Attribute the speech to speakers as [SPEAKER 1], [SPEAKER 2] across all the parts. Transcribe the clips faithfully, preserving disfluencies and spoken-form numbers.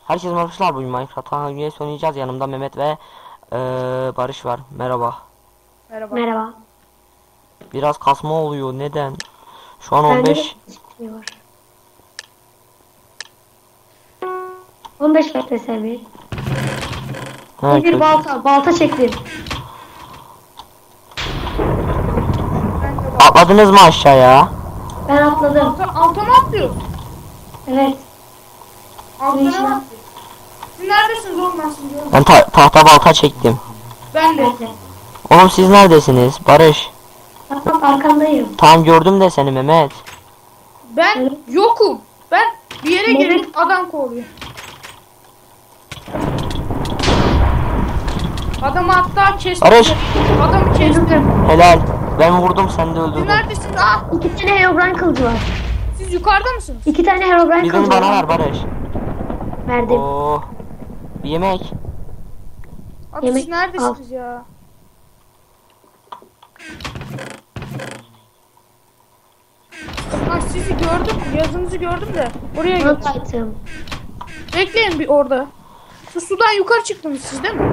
[SPEAKER 1] Herkese merhabalar, bugün Minecraft'ta üyesi oynayacağız. Yanımda Mehmet ve ee, Barış var. Merhaba.
[SPEAKER 2] Merhaba.
[SPEAKER 3] Merhaba.
[SPEAKER 1] Biraz kasma oluyor. Neden? Şu an
[SPEAKER 3] Bende de
[SPEAKER 1] on beş.
[SPEAKER 3] şey var. on beş metre seviye.
[SPEAKER 1] Ha,
[SPEAKER 3] Bir
[SPEAKER 1] kötü.
[SPEAKER 3] balta, balta çektim.
[SPEAKER 2] Ben de bak.
[SPEAKER 1] Atladınız mı aşağıya?
[SPEAKER 3] Ben atladım.
[SPEAKER 2] Alta, alta mı atlıyorsun?
[SPEAKER 3] Evet.
[SPEAKER 2] Altına
[SPEAKER 3] Neyse.
[SPEAKER 2] mı atlıyorsun? Siz neredesiniz oğlum ben sizi görmedim.
[SPEAKER 1] Ben ta tahta balta çektim.
[SPEAKER 2] Ben de.
[SPEAKER 3] Evet.
[SPEAKER 1] Oğlum siz neredesiniz? Barış.
[SPEAKER 3] Bak bak arkandayım.
[SPEAKER 1] Tamam, gördüm de seni Mehmet.
[SPEAKER 2] Ben
[SPEAKER 3] Evet.
[SPEAKER 2] yokum. Ben bir yere
[SPEAKER 3] Evet.
[SPEAKER 2] girdim adam koruyor. Adamı hatta kestim.
[SPEAKER 1] Barış.
[SPEAKER 2] Adamı kestim.
[SPEAKER 1] Helal. Ben vurdum, sen de
[SPEAKER 2] Siz
[SPEAKER 1] öldürdün.
[SPEAKER 2] neredesiniz? Ah!
[SPEAKER 3] İki tane Herobrine kılıcı var.
[SPEAKER 2] Siz yukarıda mısınız?
[SPEAKER 3] İki tane Herobrine
[SPEAKER 1] Birini
[SPEAKER 3] kılıcı
[SPEAKER 1] bana
[SPEAKER 3] var.
[SPEAKER 1] ver Barış.
[SPEAKER 3] Verdim.
[SPEAKER 1] Oo. Bir yemek.
[SPEAKER 2] Abi
[SPEAKER 3] Yemek
[SPEAKER 2] siz neredesiniz ya? Ha sizi gördüm. Yazınızı gördüm de. Oraya gittim.
[SPEAKER 3] Not item.
[SPEAKER 2] Bekleyin bir orada. Şu sudan yukarı çıktınız siz değil mi?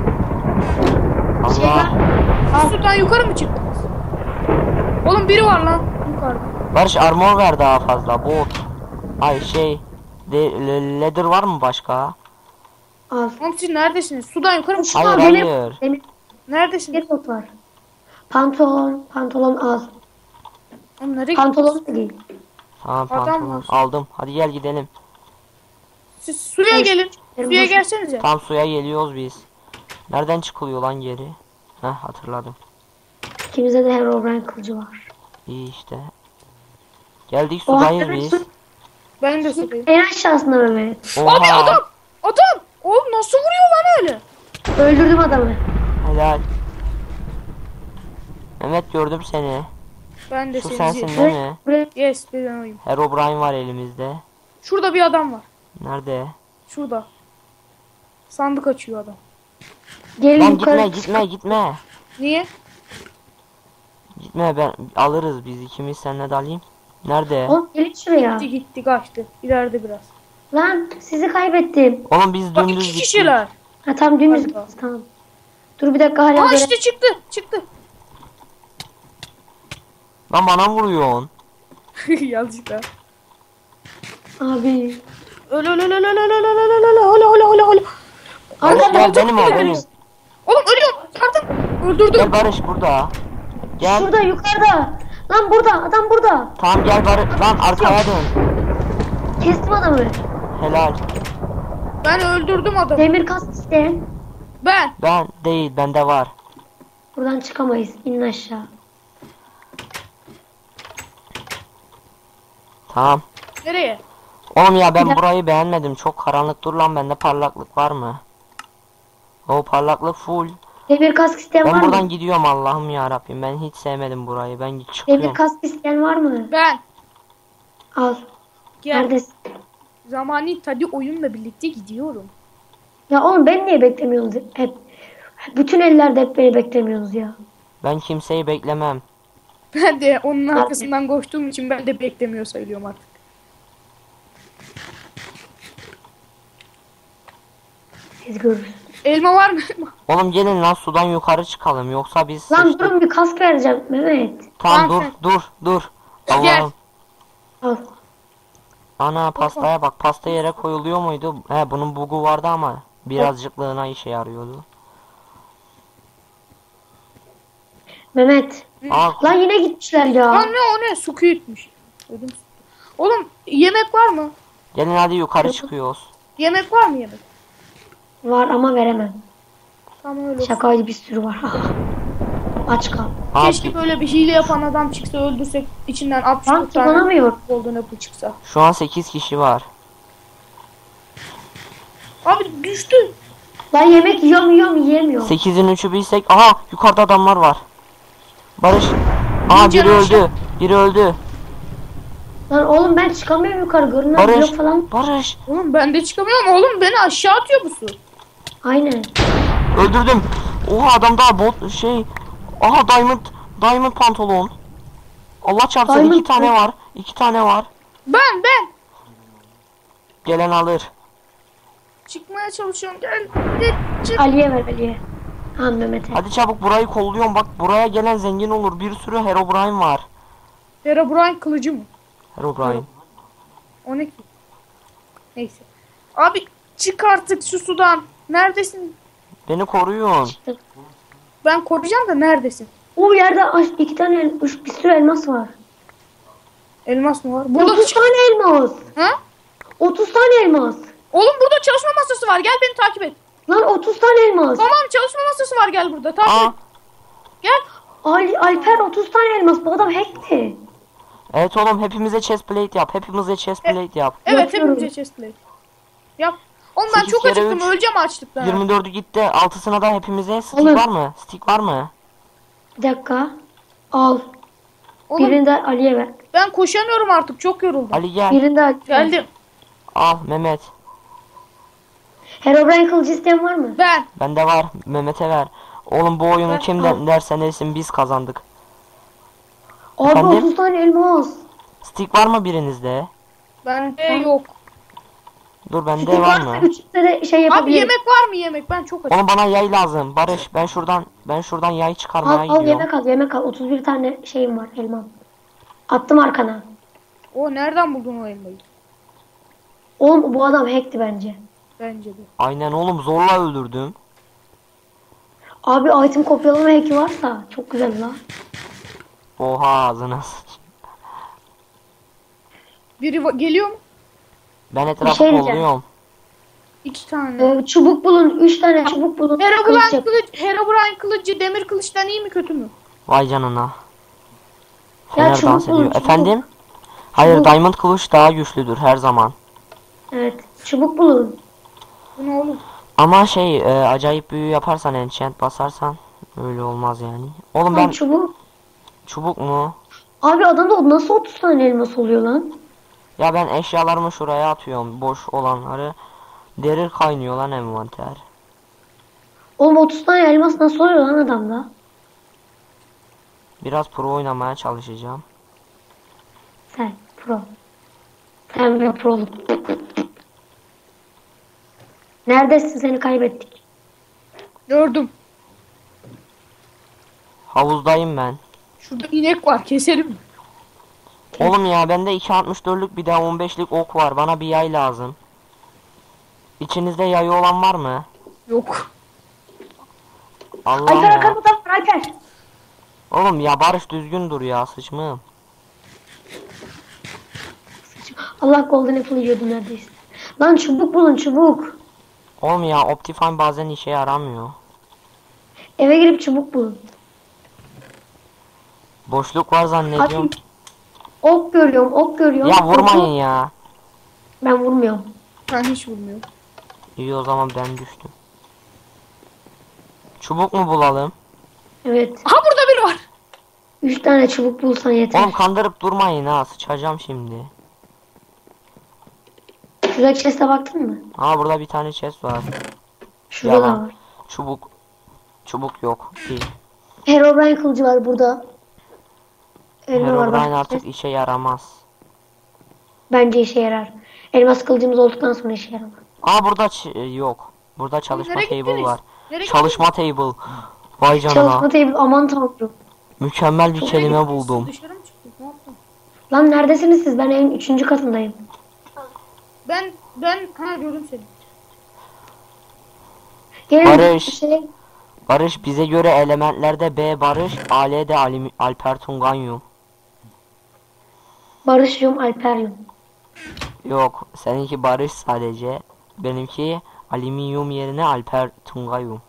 [SPEAKER 3] Şey var.
[SPEAKER 1] Allah.
[SPEAKER 2] Şu sudan yukarı mı çıktınız? Oğlum biri var lan yukarıda.
[SPEAKER 1] Barış, armor ver daha fazla. Bot. Ay şey. De le- leather var mı başka?
[SPEAKER 3] Al.
[SPEAKER 2] Oğlum siz neredesiniz? Sudan yukarı mı çıktınız?
[SPEAKER 1] Hayır,
[SPEAKER 3] Aa, demir,
[SPEAKER 1] hayır.
[SPEAKER 3] demir,
[SPEAKER 2] Neredesiniz?
[SPEAKER 3] demir bot var. Pantolon, pantolon al.
[SPEAKER 2] Oğlum nereye
[SPEAKER 3] Pantolon
[SPEAKER 2] gittiniz?
[SPEAKER 3] da değil.
[SPEAKER 1] Tamam,
[SPEAKER 2] Adam
[SPEAKER 1] pantolon
[SPEAKER 2] var.
[SPEAKER 1] aldım. Hadi gel gidelim.
[SPEAKER 2] Siz suya
[SPEAKER 3] Evet.
[SPEAKER 2] gelin.
[SPEAKER 3] Benim
[SPEAKER 2] Suya
[SPEAKER 3] boşum.
[SPEAKER 2] gelsenize.
[SPEAKER 1] Tam suya geliyoruz biz. Nereden çıkılıyor lan geri? Heh, hatırladım.
[SPEAKER 3] İkimizde de Herobrine kılıcı var.
[SPEAKER 1] İyi işte. Geldik,
[SPEAKER 3] Oha,
[SPEAKER 1] sudayız
[SPEAKER 3] evet,
[SPEAKER 1] biz.
[SPEAKER 3] su-
[SPEAKER 2] Ben de sudayım.
[SPEAKER 3] En aşağısında Mehmet.
[SPEAKER 2] Abi
[SPEAKER 1] Oha.
[SPEAKER 2] adam! Adam! Oğlum nasıl vuruyor lan öyle?
[SPEAKER 3] Öldürdüm adamı.
[SPEAKER 1] Helal. Mehmet, gördüm seni.
[SPEAKER 2] Ben de
[SPEAKER 1] Şu
[SPEAKER 2] seni
[SPEAKER 1] sensin
[SPEAKER 2] izliyorum.
[SPEAKER 1] değil mi?
[SPEAKER 3] Buraya
[SPEAKER 2] Yes ben oyum.
[SPEAKER 1] Herobrine var elimizde.
[SPEAKER 2] Şurada bir adam var.
[SPEAKER 1] Nerede?
[SPEAKER 2] Şurada. Sandık açıyor adam.
[SPEAKER 3] gelin
[SPEAKER 1] Lan
[SPEAKER 3] yukarı.
[SPEAKER 1] gitme gitme gitme.
[SPEAKER 2] Niye?
[SPEAKER 1] Gitme, ben alırız biz ikimiz, seninle de alayım. Nerede?
[SPEAKER 3] Oğlum gelin şuraya.
[SPEAKER 2] Gitti gitti kaçtı. İleride biraz.
[SPEAKER 3] Lan sizi kaybettim.
[SPEAKER 1] Oğlum biz
[SPEAKER 2] Bak
[SPEAKER 1] dümdüz
[SPEAKER 2] iki
[SPEAKER 1] gittik.
[SPEAKER 2] kişiler.
[SPEAKER 3] Ha tam dümdüz
[SPEAKER 2] Hadi bakalım.
[SPEAKER 3] tamam. Dur bir dakika hala
[SPEAKER 2] Aa
[SPEAKER 3] göre-
[SPEAKER 2] işte çıktı. Çıktı.
[SPEAKER 1] Lan bana vuruyorsun.
[SPEAKER 2] Yazıklar.
[SPEAKER 3] Abi.
[SPEAKER 2] Öyle öyle öyle öyle öyle öyle öyle öyle öyle öyle öyle.
[SPEAKER 1] Barış
[SPEAKER 3] Arkada
[SPEAKER 1] gel,
[SPEAKER 3] çok
[SPEAKER 1] benim o
[SPEAKER 3] güzel.
[SPEAKER 1] benim.
[SPEAKER 2] Oğlum ölüyorum. Yardım. Öldürdüm.
[SPEAKER 1] Gel Barış, burada. Gel.
[SPEAKER 3] Şurada yukarıda. Lan burada adam burada.
[SPEAKER 1] Tamam gel Barış. Lan arkaya dön.
[SPEAKER 3] Kestim adamı.
[SPEAKER 1] Helal.
[SPEAKER 2] Ben öldürdüm adamı.
[SPEAKER 3] Demir kask isteyen.
[SPEAKER 2] Ben.
[SPEAKER 1] Ben değil, bende var.
[SPEAKER 3] Buradan çıkamayız. İnin aşağı.
[SPEAKER 1] Tamam.
[SPEAKER 2] Nereye?
[SPEAKER 1] Oğlum ya, ben
[SPEAKER 3] Bir dakika.
[SPEAKER 1] burayı beğenmedim. Çok karanlık. Dur lan, bende parlaklık var mı? O parlaklık full.
[SPEAKER 3] Demir kask isteyen
[SPEAKER 1] Ben
[SPEAKER 3] var
[SPEAKER 1] buradan
[SPEAKER 3] mı?
[SPEAKER 1] gidiyorum, Allah'ım ya Rabbim. Ben hiç sevmedim burayı. Ben
[SPEAKER 3] Demir
[SPEAKER 1] çıkıyorum.
[SPEAKER 3] kask isteyen var mı?
[SPEAKER 2] Ben.
[SPEAKER 3] Al.
[SPEAKER 2] Gel.
[SPEAKER 3] Neredesin?
[SPEAKER 2] Zamani tadı oyunla birlikte gidiyorum.
[SPEAKER 3] Ya oğlum ben niye beklemiyorsunuz hep? Bütün ellerde hep beni beklemiyorsunuz ya.
[SPEAKER 1] Ben kimseyi beklemem.
[SPEAKER 2] Ben de onun arkasından koştuğum için ben de beklemiyor sayılıyorum artık.
[SPEAKER 3] Siz görürsünüz.
[SPEAKER 2] Elma var mı?
[SPEAKER 1] Oğlum gelin lan, sudan yukarı çıkalım. Yoksa biz
[SPEAKER 3] Lan
[SPEAKER 1] sıçtık.
[SPEAKER 3] durun bir kask vereceğim Mehmet.
[SPEAKER 1] Tamam, dur
[SPEAKER 2] Lan
[SPEAKER 1] dur dur.
[SPEAKER 2] Gel.
[SPEAKER 1] Allah'ım.
[SPEAKER 3] Al.
[SPEAKER 1] Ana, pastaya bak. Pasta yere koyuluyor muydu? He, bunun bugu vardı ama birazcıklığına işe yarıyordu.
[SPEAKER 3] Mehmet.
[SPEAKER 1] Al.
[SPEAKER 3] Lan yine gitmişler ya.
[SPEAKER 2] Lan ne o ne? Su küyütmüş. Ödüm. Oğlum yemek var mı?
[SPEAKER 1] Gelin hadi yukarı çıkıyoruz.
[SPEAKER 2] Yemek var mı yemek?
[SPEAKER 3] Var ama veremem.
[SPEAKER 2] Tamam öyle olsun.
[SPEAKER 3] Şakaydı bir sürü var. Aç kal.
[SPEAKER 2] Keşke
[SPEAKER 1] Abi,
[SPEAKER 2] böyle bir hile yapan adam çıksa öldürsek içinden altmış
[SPEAKER 3] Lan
[SPEAKER 2] dört tane
[SPEAKER 3] kullanamıyor.
[SPEAKER 2] golden apple çıksa.
[SPEAKER 1] şu an sekiz kişi var.
[SPEAKER 2] Abi düştü.
[SPEAKER 3] Lan yemek yiyorum yiyorum yiyemiyorum.
[SPEAKER 1] sekizin üçü bilsek. Aha, yukarıda adamlar var. Barış. Aha,
[SPEAKER 2] İyice
[SPEAKER 1] biri
[SPEAKER 2] aşağı.
[SPEAKER 1] öldü. Biri öldü.
[SPEAKER 3] Lan oğlum ben çıkamıyorum yukarı. Görünmez
[SPEAKER 1] Barış.
[SPEAKER 3] blok falan.
[SPEAKER 1] Barış.
[SPEAKER 2] Oğlum ben de çıkamıyorum. Oğlum beni aşağı atıyor bu su.
[SPEAKER 3] Aynen.
[SPEAKER 1] Öldürdüm. Oha, adam daha bot şey. Aha, diamond. Diamond pantolon. Allah çarpsın,
[SPEAKER 3] Diamond
[SPEAKER 1] iki tane
[SPEAKER 3] mı?
[SPEAKER 1] var. iki tane var.
[SPEAKER 2] Ben ben.
[SPEAKER 1] Gelen alır.
[SPEAKER 2] Çıkmaya çalışıyorum. Gel. Gel. Çık.
[SPEAKER 3] Ali'ye ver Ali'ye. Ha Mehmet'e.
[SPEAKER 1] Hadi çabuk burayı kolluyorum. Bak buraya gelen zengin olur. Bir sürü Herobrine var.
[SPEAKER 2] Herobrine kılıcı mı?
[SPEAKER 1] Herobrine.
[SPEAKER 2] O ne ki? Neyse. Abi çık artık şu sudan. Neredesin?
[SPEAKER 1] Beni koruyun.
[SPEAKER 2] Ben koruyacağım da neredesin?
[SPEAKER 3] O yerde aş- iki tane el- üç, bir sürü elmas var.
[SPEAKER 2] Elmas mı var? Burada
[SPEAKER 3] otuz tane elmas.
[SPEAKER 2] Ha?
[SPEAKER 3] otuz tane elmas.
[SPEAKER 2] Oğlum burada çalışma masası var. Gel beni takip et.
[SPEAKER 3] Lan otuz tane elmas.
[SPEAKER 2] Tamam çalışma masası var, gel burada. Takip
[SPEAKER 1] Aa,
[SPEAKER 2] et. Gel.
[SPEAKER 3] Ali, Alper otuz tane elmas. Bu adam hackti.
[SPEAKER 1] evet oğlum hepimize chest plate yap. Hepimize chest plate yap.
[SPEAKER 2] Evet
[SPEAKER 3] Yapıyorum.
[SPEAKER 2] hepimize chestplate. Yap. Oğlum ben
[SPEAKER 1] Sekiz
[SPEAKER 2] çok
[SPEAKER 1] kere
[SPEAKER 2] acıktım.
[SPEAKER 1] üç.
[SPEAKER 2] Öleceğim açlıktan.
[SPEAKER 1] yirmi dördü gitti. Altısına da hepimize stick
[SPEAKER 3] Oğlum.
[SPEAKER 1] var mı? Stick var mı?
[SPEAKER 3] Bir dakika. Al.
[SPEAKER 2] Oğlum
[SPEAKER 3] Birini de Ali'ye ver.
[SPEAKER 2] ben koşamıyorum artık. Çok yoruldum.
[SPEAKER 1] Ali gel.
[SPEAKER 3] Birini de Ali'ye ver.
[SPEAKER 2] Geldim.
[SPEAKER 1] Al Mehmet.
[SPEAKER 3] Herobrine kılıcı isteyen var mı?
[SPEAKER 2] Ben.
[SPEAKER 1] Bende var. Mehmet'e ver. Oğlum bu oyunu
[SPEAKER 2] Ben-
[SPEAKER 1] kimden dersen desin biz kazandık.
[SPEAKER 3] Abi
[SPEAKER 1] Efendim?
[SPEAKER 3] otuz tane elmas.
[SPEAKER 1] Stick var mı birinizde?
[SPEAKER 2] Bende yok.
[SPEAKER 1] Dur bende
[SPEAKER 3] Stick
[SPEAKER 1] var
[SPEAKER 3] varsa
[SPEAKER 1] mı?
[SPEAKER 3] üçünde de şey
[SPEAKER 2] Abi
[SPEAKER 3] yapabiliriz.
[SPEAKER 2] yemek var mı yemek? Ben çok açım.
[SPEAKER 1] Oğlum bana yay lazım. Barış ben şuradan ben şuradan yay çıkarmaya
[SPEAKER 3] Al, al
[SPEAKER 1] gidiyorum.
[SPEAKER 3] yemek al yemek al. otuz bir tane şeyim var elmam. Attım arkana.
[SPEAKER 2] O nereden buldun o elmayı?
[SPEAKER 3] Oğlum bu adam hackti bence.
[SPEAKER 2] Bence de.
[SPEAKER 1] Aynen oğlum zorla öldürdüm.
[SPEAKER 3] Abi item kopyalama hacki varsa çok güzel lan.
[SPEAKER 1] Oha ağzına sıç.
[SPEAKER 2] Biri va- geliyor mu?
[SPEAKER 1] Ben etrafı
[SPEAKER 3] şey diyeceğim.
[SPEAKER 1] kolluyorum.
[SPEAKER 2] İki tane.
[SPEAKER 3] Ee, çubuk bulun. Üç tane çubuk bulun. Kılıç
[SPEAKER 2] Herobrine
[SPEAKER 3] yap.
[SPEAKER 2] kılıç, Herobrine kılıcı demir kılıçtan iyi mi kötü mü?
[SPEAKER 1] Vay canına.
[SPEAKER 3] Ya
[SPEAKER 1] Fener
[SPEAKER 3] çubuk
[SPEAKER 1] dans
[SPEAKER 3] bulun,
[SPEAKER 1] ediyor.
[SPEAKER 3] çubuk.
[SPEAKER 1] Efendim? Hayır
[SPEAKER 3] Çubuk.
[SPEAKER 1] Diamond kılıç daha güçlüdür her zaman.
[SPEAKER 3] Evet. Çubuk bulun.
[SPEAKER 2] Bu ne oğlum?
[SPEAKER 1] Ama şey e, acayip büyü yaparsan enchant basarsan öyle olmaz yani. Oğlum ben
[SPEAKER 3] Lan çubuk.
[SPEAKER 1] çubuk mu?
[SPEAKER 3] Abi adamda nasıl otuz tane elmas oluyor lan?
[SPEAKER 1] Ya ben eşyalarımı şuraya atıyorum boş olanları. Derir kaynıyor lan envanter.
[SPEAKER 3] Oğlum otuz tane elmas nasıl oluyor lan adamda?
[SPEAKER 1] Biraz pro oynamaya çalışacağım.
[SPEAKER 3] Sen pro. Sen bir proluk. Neredesin, seni kaybettik.
[SPEAKER 2] Gördüm.
[SPEAKER 1] Havuzdayım ben.
[SPEAKER 2] Şurada inek var, keselim mi?
[SPEAKER 1] Oğlum ya bende iki altmış dörtlük bir de on beşlik ok var. Bana bir yay lazım. İçinizde yayı olan var mı?
[SPEAKER 2] Yok.
[SPEAKER 1] Allah
[SPEAKER 3] Alper
[SPEAKER 1] ya.
[SPEAKER 3] arkamda var Alper.
[SPEAKER 1] Oğlum ya Barış düzgün dur ya sıçmığım.
[SPEAKER 3] Allah golden apple yiyordum neredeyse. Lan çubuk bulun çubuk.
[SPEAKER 1] Oğlum ya Optifine bazen işe yaramıyor.
[SPEAKER 3] Eve girip çubuk bulun.
[SPEAKER 1] Boşluk var zannediyorum.
[SPEAKER 3] Abi ok görüyorum ok görüyorum.
[SPEAKER 1] Ya vurmayın
[SPEAKER 3] Oku-
[SPEAKER 1] ya.
[SPEAKER 3] Ben vurmuyorum.
[SPEAKER 2] Ben hiç bilmiyorum.
[SPEAKER 1] İyi o zaman ben düştüm. Çubuk mu bulalım?
[SPEAKER 3] Evet.
[SPEAKER 2] Aha burada biri var.
[SPEAKER 3] Üç tane çubuk bulsan yeter.
[SPEAKER 1] Oğlum kandırıp durmayın ha sıçacağım şimdi.
[SPEAKER 3] Şuradaki chest'e baktın mı?
[SPEAKER 1] Ha burada bir tane chest var.
[SPEAKER 3] Şurada da
[SPEAKER 1] Yalan.
[SPEAKER 3] var.
[SPEAKER 1] Çubuk. Çubuk yok. Değil.
[SPEAKER 3] Herobrine kılıcı var burada. Elma var
[SPEAKER 1] Herobrine
[SPEAKER 3] bak.
[SPEAKER 1] artık işe yaramaz.
[SPEAKER 3] Bence işe yarar. Elmas kılıcımız olduktan sonra işe yarar.
[SPEAKER 1] Aa burada ç- e, yok. Burada çalışma
[SPEAKER 2] nereye
[SPEAKER 1] table
[SPEAKER 2] gittiniz?
[SPEAKER 1] var.
[SPEAKER 2] Nereye
[SPEAKER 1] Çalışma table. Vay canına.
[SPEAKER 3] Çalışma table aman tanrım.
[SPEAKER 1] Mükemmel bir kelime buldum.
[SPEAKER 2] Dışarı mı çıktık? Ne yaptın?
[SPEAKER 3] Lan neredesiniz siz? Ben evin üçüncü katındayım.
[SPEAKER 2] Ben ben ha gördüm seni.
[SPEAKER 3] Gelin
[SPEAKER 1] Barış.
[SPEAKER 3] şey.
[SPEAKER 1] Barış bize göre elementlerde B Barış, A L de Alim- Alper Tunganyum.
[SPEAKER 3] Barış'cığım Alper'yum.
[SPEAKER 1] Yok, seninki Barış sadece. Benimki alüminyum yerine Alper Tungayum.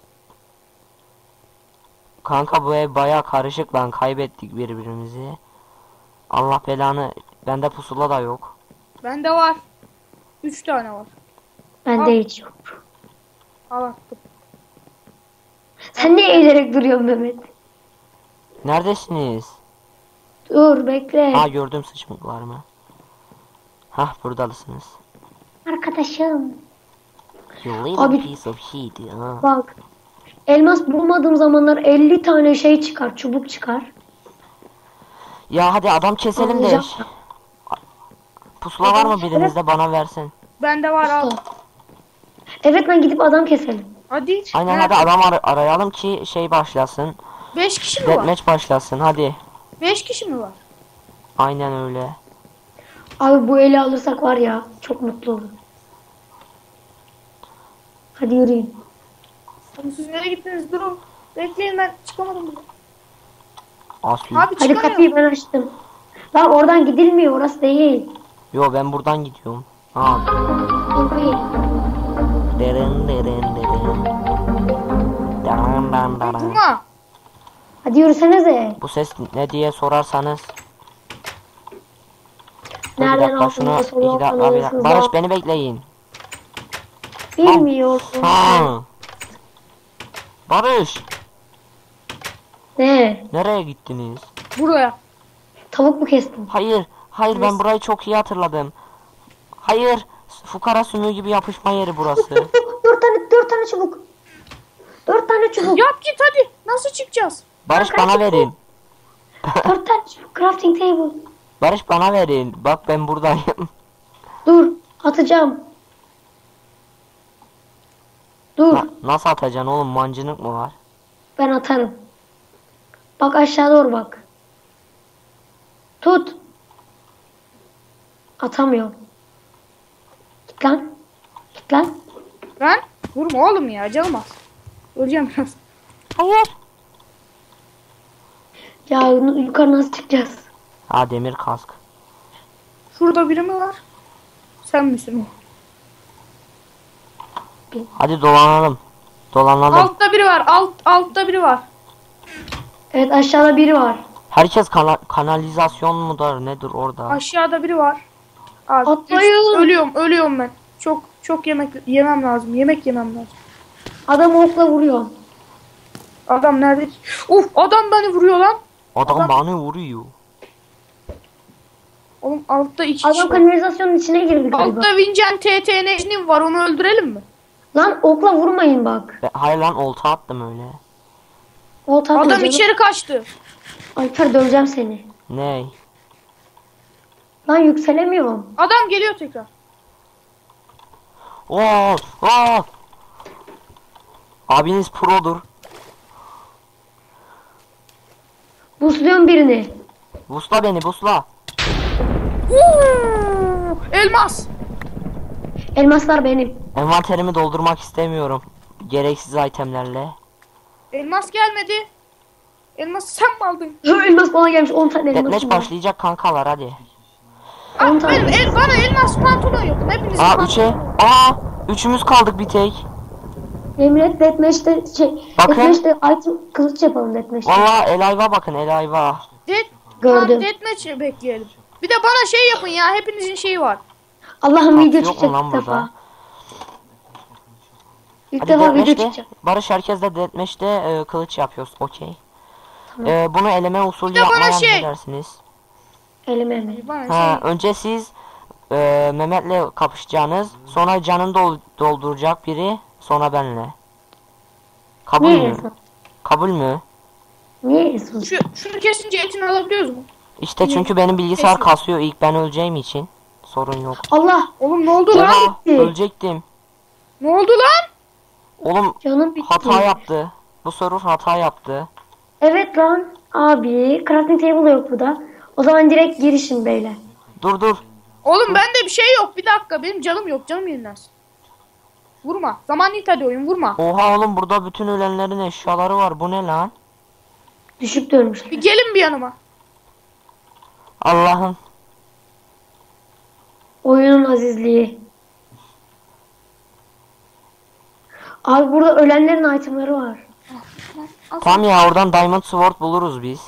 [SPEAKER 1] Kanka bu ev baya karışık lan, kaybettik birbirimizi. Allah belanı, bende pusula da yok.
[SPEAKER 2] Bende var. Üç tane var.
[SPEAKER 3] Bende
[SPEAKER 2] Al.
[SPEAKER 3] hiç yok.
[SPEAKER 2] Al attım.
[SPEAKER 3] Sen niye eğilerek duruyorsun Mehmet?
[SPEAKER 1] Neredesiniz?
[SPEAKER 3] Dur bekle.
[SPEAKER 1] Ha gördüm sıçmıklarımı. Hah buradalısınız.
[SPEAKER 3] Arkadaşım.
[SPEAKER 1] You little
[SPEAKER 3] Abi-
[SPEAKER 1] piece of shit. Ha.
[SPEAKER 3] Bak. Elmas bulmadığım zamanlar elli tane şey çıkar. Çubuk çıkar.
[SPEAKER 1] Ya hadi adam keselim de.
[SPEAKER 3] Anlayacağım.
[SPEAKER 1] Pusula var mı birinizde, bana versin.
[SPEAKER 2] Bende var al.
[SPEAKER 3] Usta. Evet lan gidip adam keselim.
[SPEAKER 2] Hadi.
[SPEAKER 1] Aynen
[SPEAKER 2] Nerede?
[SPEAKER 1] hadi adam ar- arayalım ki şey başlasın.
[SPEAKER 2] Beş kişi mi var?
[SPEAKER 1] Deathmatch başlasın hadi.
[SPEAKER 2] Beş kişi mi var?
[SPEAKER 1] Aynen öyle.
[SPEAKER 3] Abi bu eli alırsak var ya çok mutlu olurum. Hadi yürüyün.
[SPEAKER 2] Oğlum siz nereye gittiniz? Durun. Bekleyin, ben çıkamadım bile.
[SPEAKER 1] Asil.
[SPEAKER 2] Abi
[SPEAKER 3] Hadi kapıyı
[SPEAKER 2] çıkamıyorum.
[SPEAKER 3] ben açtım. Lan oradan gidilmiyor, orası değil.
[SPEAKER 1] Yo ben buradan gidiyorum. Ha.
[SPEAKER 3] Kapıyı.
[SPEAKER 1] Derin derin derin. Daran daran daran.
[SPEAKER 2] Durma.
[SPEAKER 3] Hadi yürüsenize.
[SPEAKER 1] Bu ses ne diye sorarsanız. Dur bir
[SPEAKER 3] Nereden
[SPEAKER 1] dakika şunu
[SPEAKER 3] aldınız?
[SPEAKER 1] iki dakika bir dakika.
[SPEAKER 3] Soruyorsunuz
[SPEAKER 1] Barış
[SPEAKER 3] ya.
[SPEAKER 1] beni bekleyin.
[SPEAKER 3] Bilmiyorum.
[SPEAKER 1] Ha. Barış
[SPEAKER 3] Ne?
[SPEAKER 1] nereye gittiniz?
[SPEAKER 2] Buraya.
[SPEAKER 3] Tavuk mu kestin?
[SPEAKER 1] Hayır hayır ben burayı çok iyi hatırladım. Hayır fukara sümüğü gibi yapışma yeri burası.
[SPEAKER 3] Dört tane, dört tane çubuk. Dört tane çubuk.
[SPEAKER 2] Yap git hadi. Nasıl çıkacağız?
[SPEAKER 1] Barış bana verin.
[SPEAKER 3] Dört tane çubuk. Crafting table.
[SPEAKER 1] Barış bana verin. Bak ben buradayım.
[SPEAKER 3] Dur. Atacağım. Dur.
[SPEAKER 1] Na- nasıl atacaksın oğlum mancınık mı var?
[SPEAKER 3] Ben atarım. Bak aşağı doğru bak. Tut. Atamıyorum. Git lan. Git lan.
[SPEAKER 2] Ben? Vurma oğlum ya, canım az. Öleceğim biraz.
[SPEAKER 1] Hayır.
[SPEAKER 3] Ya yukarı nasıl çıkacağız?
[SPEAKER 1] Ha demir kask.
[SPEAKER 2] Şurada biri mi var? Sen misin o?
[SPEAKER 1] Hadi dolanalım. Dolanalım.
[SPEAKER 2] Altta biri var. Alt altta biri var.
[SPEAKER 3] Evet aşağıda biri var.
[SPEAKER 1] Herkes kana- kanalizasyon mudur nedir orada?
[SPEAKER 2] Aşağıda biri var. Abi,
[SPEAKER 3] Atlayın.
[SPEAKER 2] üst- ölüyorum, ölüyorum ben. Çok çok yemek yemem lazım. Yemek yemem lazım.
[SPEAKER 3] Adam okla vuruyor.
[SPEAKER 2] Adam nerede? Uf, adam beni vuruyor lan.
[SPEAKER 1] Adam,
[SPEAKER 2] adam-
[SPEAKER 1] bana vuruyor.
[SPEAKER 2] Oğlum altta iki kişi
[SPEAKER 3] Adam
[SPEAKER 2] var.
[SPEAKER 3] kanalizasyonun içine girdi galiba.
[SPEAKER 2] Altta Vincent T T N'nin var, onu öldürelim mi?
[SPEAKER 3] Lan okla vurmayın bak.
[SPEAKER 1] Be- hayır lan olta attım öyle.
[SPEAKER 3] O tatlı
[SPEAKER 2] Adam
[SPEAKER 3] canım.
[SPEAKER 2] içeri kaçtı.
[SPEAKER 3] Alper döveceğim seni.
[SPEAKER 1] Ney?
[SPEAKER 3] Lan yükselemiyorum.
[SPEAKER 2] Adam geliyor tekrar.
[SPEAKER 1] Oo, oo. Abiniz produr.
[SPEAKER 3] Busluyorum birini.
[SPEAKER 1] Busla beni busla.
[SPEAKER 2] Uuu, elmas.
[SPEAKER 3] Elmaslar benim.
[SPEAKER 1] Envanterimi doldurmak istemiyorum. Gereksiz itemlerle.
[SPEAKER 2] Elmas gelmedi. Elmas sen mi aldın?
[SPEAKER 3] Hı, elmas bana gelmiş on tane elmas.
[SPEAKER 1] Deathmatch başlayacak kankalar hadi.
[SPEAKER 2] Ah,
[SPEAKER 3] On tane.
[SPEAKER 2] benim el, bana elmas pantolon yok. Hepinizin
[SPEAKER 1] Aa
[SPEAKER 2] pantolonu.
[SPEAKER 1] üçe. Aa üçümüz kaldık bir tek.
[SPEAKER 3] Emret Deathmatch'te şey.
[SPEAKER 1] Bakın.
[SPEAKER 3] Deathmatch'te item kılıç yapalım Deathmatch'te.
[SPEAKER 1] Valla Elayva bakın Elayva.
[SPEAKER 2] Dead,
[SPEAKER 3] Gördüm.
[SPEAKER 2] Gördüm. Deathmatch'i bekleyelim. Bir de bana şey yapın ya. Hepinizin şeyi var.
[SPEAKER 3] Allah'ım
[SPEAKER 1] Bak,
[SPEAKER 3] video
[SPEAKER 1] yok mu
[SPEAKER 3] çıkacak
[SPEAKER 1] lan
[SPEAKER 3] ilk
[SPEAKER 1] burada?
[SPEAKER 3] defa. İlk
[SPEAKER 1] Hadi
[SPEAKER 3] defa video
[SPEAKER 1] Deathmatch'te.
[SPEAKER 3] çıkacak.
[SPEAKER 1] Barış herkesle Deathmatch'te e, kılıç yapıyoruz. Okey. E, bunu eleme usulü
[SPEAKER 2] Bir de bana
[SPEAKER 1] yapmaya
[SPEAKER 2] şey-
[SPEAKER 1] ne dersiniz?
[SPEAKER 3] Elime mi?
[SPEAKER 2] Bana
[SPEAKER 1] Ha,
[SPEAKER 2] şey.
[SPEAKER 1] önce siz e, Mehmet'le kapışacaksınız. Sonra canını dol- dolduracak biri. Sonra benle. Kabul
[SPEAKER 3] Niye
[SPEAKER 1] mü?
[SPEAKER 3] Esun?
[SPEAKER 1] Kabul mü?
[SPEAKER 3] Niye Esun?
[SPEAKER 2] Şu, şunu kesince etini alabiliyoruz mu?
[SPEAKER 1] İşte çünkü benim bilgisayar
[SPEAKER 2] Kesin.
[SPEAKER 1] kasıyor. İlk ben öleceğim için. Sorun yok.
[SPEAKER 3] Allah
[SPEAKER 2] Oğlum ne oldu lan?
[SPEAKER 1] Oha,
[SPEAKER 3] gitti.
[SPEAKER 1] ölecektim.
[SPEAKER 2] Ne oldu lan?
[SPEAKER 1] Oğlum
[SPEAKER 3] canım bitti.
[SPEAKER 1] hata yaptı. Bu server hata yaptı.
[SPEAKER 3] Evet lan. Abi crafting table yok burada. O zaman direkt girişin beyler.
[SPEAKER 1] Dur dur.
[SPEAKER 2] Oğlum bende bir şey yok. Bir dakika, benim canım yok. Canım yenilensin. Vurma. Zaman it hadi oyun, vurma.
[SPEAKER 1] Oha oğlum burada bütün ölenlerin eşyaları var. Bu ne lan?
[SPEAKER 3] Düşüp dönmüşler.
[SPEAKER 2] Bir gelin bir yanıma.
[SPEAKER 1] Allah'ım.
[SPEAKER 3] Oyunun azizliği. Abi burada ölenlerin itemleri var.
[SPEAKER 2] Al.
[SPEAKER 1] Tamam ya oradan Diamond Sword buluruz biz.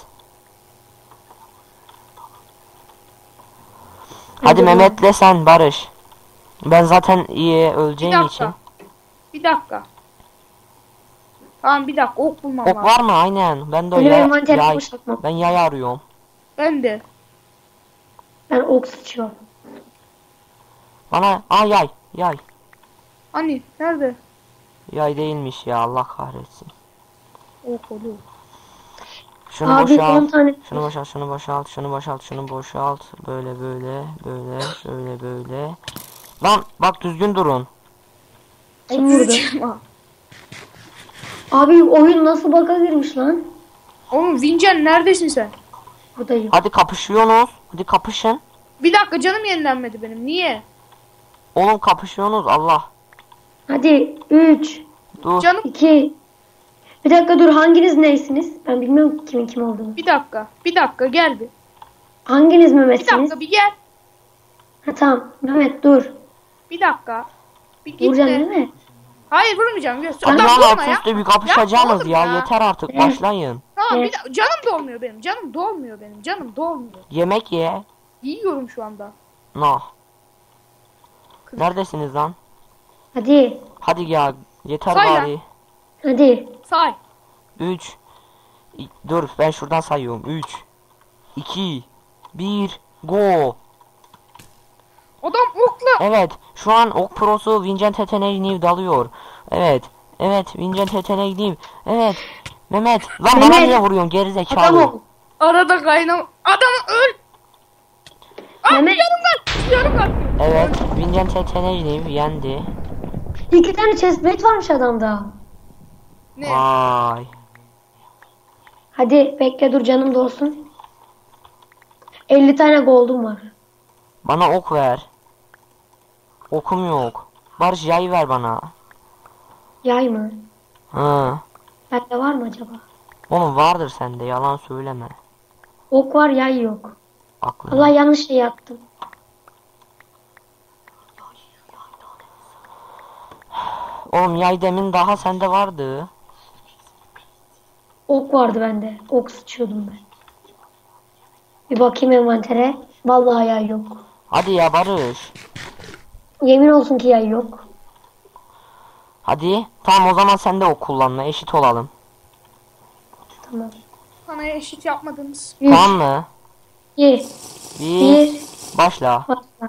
[SPEAKER 1] Hadi
[SPEAKER 3] Hadi
[SPEAKER 1] Mehmet'le sen Barış. Ben zaten iyi
[SPEAKER 2] Bir
[SPEAKER 1] öleceğim
[SPEAKER 2] dakika.
[SPEAKER 1] için.
[SPEAKER 2] Bir dakika. Tamam bir dakika, ok bulmam
[SPEAKER 1] Ok
[SPEAKER 2] lazım.
[SPEAKER 1] var mı? Aynen. Ben de o
[SPEAKER 3] Benim
[SPEAKER 1] yay,
[SPEAKER 3] envanterimi
[SPEAKER 1] yay-
[SPEAKER 3] boşaltmam.
[SPEAKER 1] Ben yay arıyorum.
[SPEAKER 2] Ben de.
[SPEAKER 3] Ben ok sıçıyorum.
[SPEAKER 1] Bana aa yay yay.
[SPEAKER 2] Hani nerede?
[SPEAKER 1] Yay değilmiş ya Allah kahretsin.
[SPEAKER 2] Ok oluyor.
[SPEAKER 1] Şunu
[SPEAKER 3] Abi on
[SPEAKER 1] boşalt.
[SPEAKER 3] tane.
[SPEAKER 1] Şunu boşalt, şunu boşalt, şunu boşalt, şunu boşalt. Böyle böyle böyle şöyle böyle. Lan bak düzgün durun.
[SPEAKER 3] Kim vurdu?
[SPEAKER 2] otuz üç.
[SPEAKER 3] Abi oyun nasıl bug'a girmiş lan?
[SPEAKER 2] Oğlum Vincen neredesin sen?
[SPEAKER 3] Buradayım.
[SPEAKER 1] Hadi kapışıyorsunuz. Hadi kapışın.
[SPEAKER 2] Bir dakika canım yenilenmedi benim. Niye?
[SPEAKER 1] Oğlum kapışıyorsunuz Allah.
[SPEAKER 3] Hadi üç,
[SPEAKER 1] Dur.
[SPEAKER 2] Canım
[SPEAKER 3] iki. Bir dakika dur, hanginiz neysiniz? Ben bilmiyorum kimin kim olduğunu.
[SPEAKER 2] bir dakika. Bir dakika gel bir.
[SPEAKER 3] Hanginiz
[SPEAKER 2] Bir
[SPEAKER 3] Mehmet'siniz?
[SPEAKER 2] dakika bir gel.
[SPEAKER 3] Ha tamam. Mehmet dur.
[SPEAKER 2] Bir dakika. Bir git
[SPEAKER 3] Vuracaksın
[SPEAKER 2] de.
[SPEAKER 3] değil mi?
[SPEAKER 2] Hayır vurmayacağım. Gör.
[SPEAKER 1] Hadi
[SPEAKER 2] Adam
[SPEAKER 1] lan
[SPEAKER 2] vurma
[SPEAKER 1] alt
[SPEAKER 2] ya.
[SPEAKER 1] üstte bir kapışacaksınız
[SPEAKER 2] oğlum
[SPEAKER 1] ya.
[SPEAKER 2] ya.
[SPEAKER 1] Yeter artık
[SPEAKER 3] Evet.
[SPEAKER 1] başlayın.
[SPEAKER 2] Tamam
[SPEAKER 3] Evet.
[SPEAKER 2] bir dakika. Canım dolmuyor benim. Canım dolmuyor benim. Canım dolmuyor.
[SPEAKER 1] Yemek ye.
[SPEAKER 2] Yiyorum şu anda.
[SPEAKER 1] No. Neredesiniz lan?
[SPEAKER 3] Hadi.
[SPEAKER 1] Hadi ya. Yeter
[SPEAKER 2] Say lan.
[SPEAKER 1] bari.
[SPEAKER 3] Hadi.
[SPEAKER 2] Say.
[SPEAKER 1] üç. Dur ben şuradan sayıyorum. üç. iki. bir. Go.
[SPEAKER 2] Adam okla.
[SPEAKER 1] Evet. Şu an Ok Pro'su Vincent Teteneği dalıyor. Evet. Evet. Vincent Teteneği. Evet. Mehmet. Lan bana
[SPEAKER 3] Mehmet.
[SPEAKER 1] niye vuruyorsun
[SPEAKER 3] Adam
[SPEAKER 1] gerizekalı?
[SPEAKER 3] ol.
[SPEAKER 2] Arada kaynam. Adamı öl. Ah
[SPEAKER 3] Mehmet.
[SPEAKER 2] yarım var. Yarım var.
[SPEAKER 1] Evet. Vincent Teteneği yendi.
[SPEAKER 3] İki tane chestplate varmış adamda.
[SPEAKER 2] Ne?
[SPEAKER 1] Vay.
[SPEAKER 3] Hadi bekle dur, canım dolsun. elli tane gold'um var.
[SPEAKER 1] Bana ok ver. Okum yok. Barış yay ver bana.
[SPEAKER 3] Yay mı?
[SPEAKER 1] Hı.
[SPEAKER 3] Bende var mı acaba?
[SPEAKER 1] Oğlum vardır sende yalan söyleme.
[SPEAKER 3] Ok var, yay yok.
[SPEAKER 1] Aklına.
[SPEAKER 3] Allah, yanlış şey yaptım.
[SPEAKER 1] Oğlum yay demin daha sende vardı.
[SPEAKER 3] Ok vardı bende. Ok sıçıyordum ben. Bir bakayım envantere. Vallahi yay yok.
[SPEAKER 1] Hadi ya Barış.
[SPEAKER 3] Yemin olsun ki yay yok.
[SPEAKER 1] Hadi. Tamam o zaman sen de ok kullanma eşit olalım.
[SPEAKER 3] Tamam.
[SPEAKER 2] Bana eşit yapmadınız.
[SPEAKER 3] Üç,
[SPEAKER 1] Tamam mı?
[SPEAKER 3] iki,
[SPEAKER 1] Bir.
[SPEAKER 3] bir.
[SPEAKER 1] Başla.
[SPEAKER 3] Başla.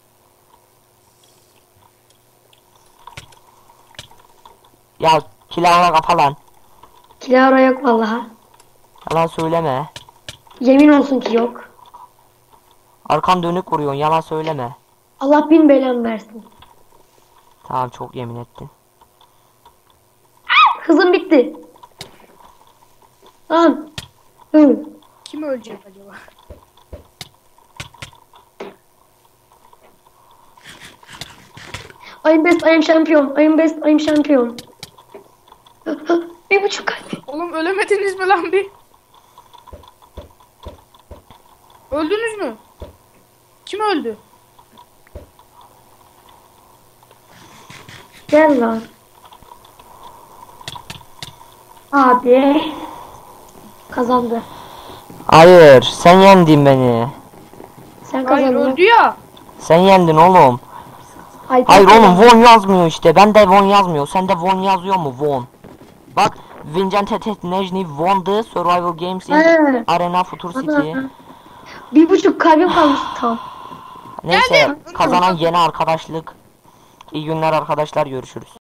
[SPEAKER 1] Ya kilavra kapa lan.
[SPEAKER 3] Kilara yok vallahi.
[SPEAKER 1] Yalan söyleme.
[SPEAKER 3] Yemin olsun ki yok.
[SPEAKER 1] Arkan dönük vuruyorsun yalan söyleme.
[SPEAKER 3] Allah bin belamı versin.
[SPEAKER 1] Tamam çok yemin ettin.
[SPEAKER 3] Hızım bitti. Lan. Hı.
[SPEAKER 2] Kim ölecek acaba?
[SPEAKER 3] I'm best, I'm champion. I'm best, I'm champion. Bir buçuk kalp.
[SPEAKER 2] Oğlum ölemediniz mi lan bir? Öldünüz mü? Kim öldü?
[SPEAKER 3] Gel lan. Abi. Kazandı.
[SPEAKER 1] Hayır sen yendin beni.
[SPEAKER 3] Sen
[SPEAKER 2] Hayır
[SPEAKER 3] kazandın.
[SPEAKER 2] öldü ya.
[SPEAKER 1] Sen yendin oğlum.
[SPEAKER 3] Alper
[SPEAKER 1] Hayır
[SPEAKER 3] kazandı.
[SPEAKER 1] oğlum Von yazmıyor işte. Ben de Von yazmıyor. Sende Von yazıyor mu Von? Bak Vincent Teteneği won the Survival Games in
[SPEAKER 3] Ha.
[SPEAKER 1] Arena Future City.
[SPEAKER 3] Ana. Bir buçuk kalbim kalmış tam.
[SPEAKER 1] Neyse
[SPEAKER 2] Geldim.
[SPEAKER 1] kazanan yeni arkadaşlık. İyi günler arkadaşlar görüşürüz.